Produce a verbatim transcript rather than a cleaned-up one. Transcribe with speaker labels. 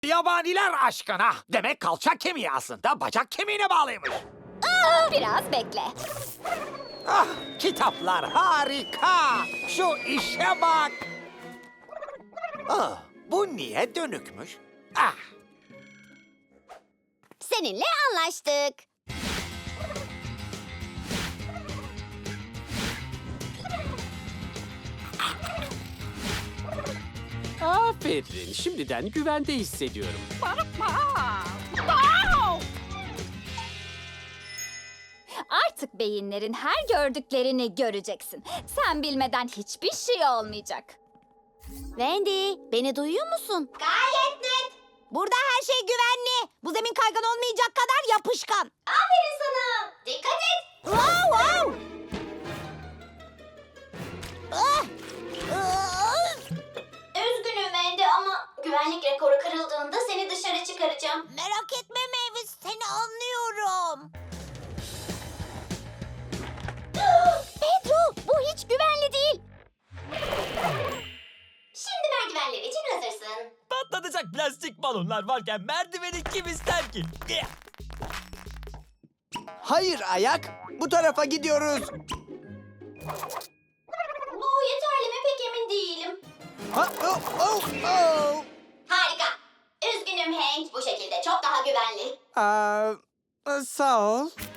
Speaker 1: Yabaniler aşkına. Demek kalça kemiği aslında bacak kemiğine bağlıymış.
Speaker 2: Biraz bekle.
Speaker 1: Ah, kitaplar harika. Şu işe bak. Ah, bu niye dönükmüş? Ah,
Speaker 2: Seninle anlaştık.
Speaker 3: Aferin. Şimdiden güvende hissediyorum.
Speaker 2: Artık beyinlerin her gördüklerini göreceksin. Sen bilmeden hiçbir şey olmayacak. Wendy, beni duyuyor musun? Gayet net. Burada her şey güvenli. Bu zemin kaygan olmayacak kadar yapışkan. Aferin sana. Dikkat et. Wow, wow. Ah! Ah!
Speaker 4: Üzgünüm Wendy ama güvenlik rekoru kırıldığında seni dışarı çıkaracağım.
Speaker 2: Merak etme Mavis, seni anlıyorum. Pedro, bu hiç güvenli değil.
Speaker 4: Şimdi merdivenler için hazırsın.
Speaker 5: Patlatacak plastik balonlar varken merdiveni kim ister ki?
Speaker 6: Hayır ayak. Bu tarafa gidiyoruz.
Speaker 4: Bu yeterli mi pek emin değilim.
Speaker 6: Ha, oh, oh, oh.
Speaker 4: Harika. Üzgünüm Hank, bu şekilde çok daha güvenli.
Speaker 6: Aa, sağ ol.